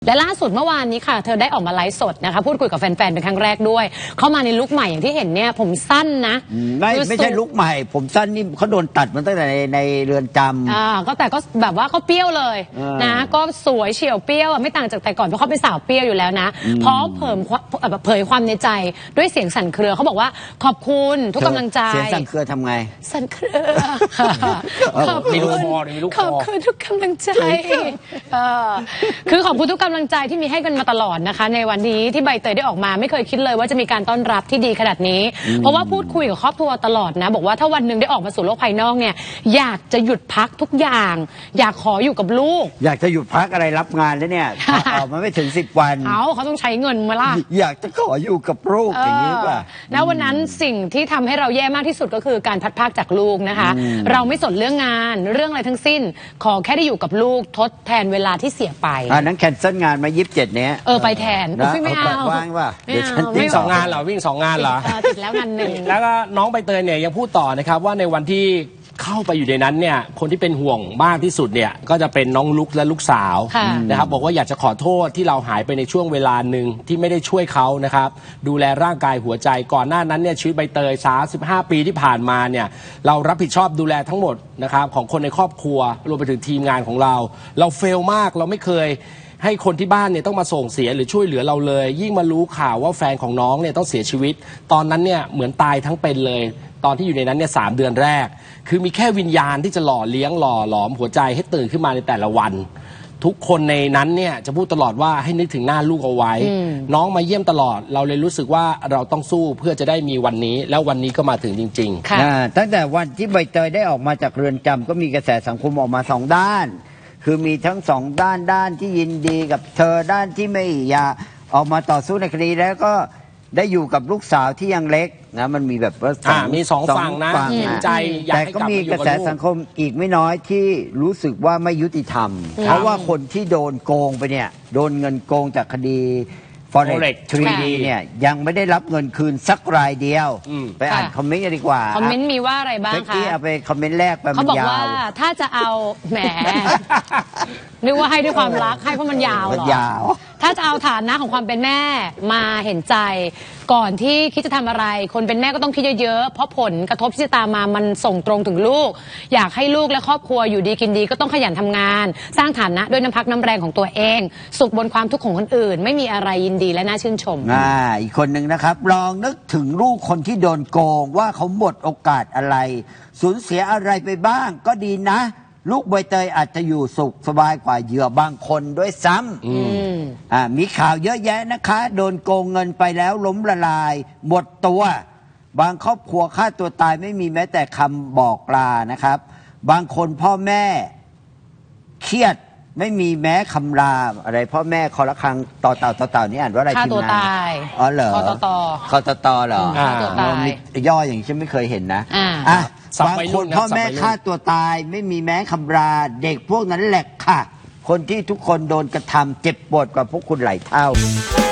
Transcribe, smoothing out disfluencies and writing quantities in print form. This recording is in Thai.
และล่าสุดเมื่อวานนี้ค่ะเธอได้ออกมาไลฟ์สดนะคะพูดคุยกับแฟนๆเป็นครั้งแรกด้วยเข้ามาในลุคใหม่อย่างที่เห็นเนี่ยผมสั้นนะไม่ใช่ลุคใหม่ผมสั้นนี่เขาโดนตัดมาตั้งแต่ในเรือนจำก็แต่ก็แบบว่าเขาเปรี้ยวเลยนะก็สวยเฉียวเปรี้ยวไม่ต่างจากแต่ก่อนเพราะเขาเป็นสาวเปรี้ยวอยู่แล้วนะพร้อมเผยความในใจด้วยเสียงสั่นเครือเขาบอกว่าขอบคุณทุกกำลังใจเสียงสั่นเครือทำไงสั่นเครือขอบคุณทุกกำลังใจคือขอบคุณทุกกำลังใจที่มีให้กันมาตลอดนะคะในวันนี้ที่ใบเตยได้ออกมาไม่เคยคิดเลยว่าจะมีการต้อนรับที่ดีขนาดนี้เพราะว่าพูดคุยกับครอบครัวตลอดนะบอกว่าถ้าวันหนึ่งได้ออกมาสู่โลกภายนอกเนี่ยอยากจะหยุดพักทุกอย่างอยากขออยู่กับลูกอยากจะหยุดพักอะไรรับงานแล้วเนี่ยออกมาไม่ถึง10 วันเขาต้องใช้เงินมาล่ะอยากจะขออยู่กับลูกอย่างนี้ป่ะแล้ววันนั้นสิ่งที่ทำให้เราแย่มากที่สุดก็คือการพัดพากจากลูกนะคะเราไม่สนเรื่องงานเรื่องอะไรทั้งสิ้นขอแค่ได้อยู่กับลูกทดแทนเวลาที่เสียไปนั้นแคนเซิลงานมา27เนี้ยไปแทนไม่เอาว่างป่ะเดี๋ยวฉันวิ่ง2 งานเหรอวิ่ง2 งานเหรอติดแล้วงานหนึ่งแล้วก็น้องใบเตยเนี่ยยังพูดต่อนะครับว่าในวันที่เข้าไปอยู่ในนั้นเนี่ยคนที่เป็นห่วงมากที่สุดเนี่ยก็จะเป็นน้องลุกและลูกสาวนะครับบอกว่าอยากจะขอโทษที่เราหายไปในช่วงเวลาหนึ่งที่ไม่ได้ช่วยเขานะครับดูแลร่างกายหัวใจก่อนหน้านั้นเนี่ยชีวิตใบเตย35 ปีที่ผ่านมาเนี่ยเรารับผิดชอบดูแลทั้งหมดนะครับของคนในครอบครัวรวมไปถึงทีมงานของเราเฟลมากเราไม่เคยให้คนที่บ้านเนี่ยต้องมาส่งเสียหรือช่วยเหลือเราเลยยิ่งมารู้ข่าวว่าแฟนของน้องเนี่ยต้องเสียชีวิตตอนนั้นเนี่ยเหมือนตายทั้งเป็นเลยตอนที่อยู่ในนั้นเนี่ย3 เดือนแรกคือมีแค่วิญญาณที่จะหล่อเลี้ยงหล่อหลอมหัวใจให้ตื่นขึ้นมาในแต่ละวันทุกคนในนั้นเนี่ยจะพูดตลอดว่าให้นึกถึงหน้าลูกเอาไว้น้องมาเยี่ยมตลอดเราเลยรู้สึกว่าเราต้องสู้เพื่อจะได้มีวันนี้แล้ววันนี้ก็มาถึงจริงๆตั้งแต่วันที่ใบเตยได้ออกมาจากเรือนจำก็มีกระแสสังคมออกมา2 ด้านคือมีทั้ง2 ด้านที่ยินดีกับเธอด้านที่ไม่อยากออกมาต่อสู้ในคดีแล้วก็ได้อยู่กับลูกสาวที่ยังเล็กนะมันมีแบบว่ามี2 ฝั่งนะเห็นใจอยากให้กลับมาอยู่กับลูกแต่ก็มีกระแสสังคมอีกไม่น้อยที่รู้สึกว่าไม่ยุติธรรมเพราะว่าคนที่โดนโกงไปเนี่ยโดนเงินโกงจากคดีForex 3D เนี่ยยังไม่ได้รับเงินคืนสักรายเดียวไปอ่านคอมเมนต์กันดีกว่าคอมเมนต์มีว่าอะไรบ้างคะเอาไปคอมเมนต์แรกไปเขาบอกว่าถ้าจะเอาแหมนึกว่าให้ด้วยความรักให้เพราะมันยาวหรอถ้าจะเอาฐานะของความเป็นแม่มาเห็นใจก่อนที่คิดจะทำอะไรคนเป็นแม่ก็ต้องคิดเยอะๆเพราะผลกระทบที่จะตามมามันส่งตรงถึงลูกอยากให้ลูกและครอบครัวอยู่ดีกินดีก็ต้องขยันทำงานสร้างฐานะด้วยน้ำพักน้ำแรงของตัวเองสุขบนความทุกข์ของคนอื่นไม่มีอะไรยินดีและน่าชื่นชมอีกคนหนึ่งนะครับลองนึกถึงลูกคนที่โดนโกงว่าเขาหมดโอกาสอะไรสูญเสียอะไรไปบ้างก็ดีนะลูกใบเตยอาจจะอยู่สุขสบายกว่าเหยื่อบางคนด้วยซ้ำมีข่าวเยอะแยะนะคะโดนโกงเงินไปแล้วล้มละลายหมดตัวบางครอบครัวฆ่าตัวตายไม่มีแม้แต่คำบอกลานะครับบางคนพ่อแม่เครียดไม่มีแม้คำลาอะไรพ่อแม่คอละครังต่อเต่านี่อ่านว่าอะไรฆ่าตัวตายเหรอคอตเหรอย่ออย่างนี้ฉันไม่เคยเห็นนะบางคนพ่อแม่ฆ่าตัวตายไม่มีแม้คำลาเด็กพวกนั้นแหละค่ะคนที่ทุกคนโดนกระทำเจ็บปวดกว่าพวกคุณหลายเท่า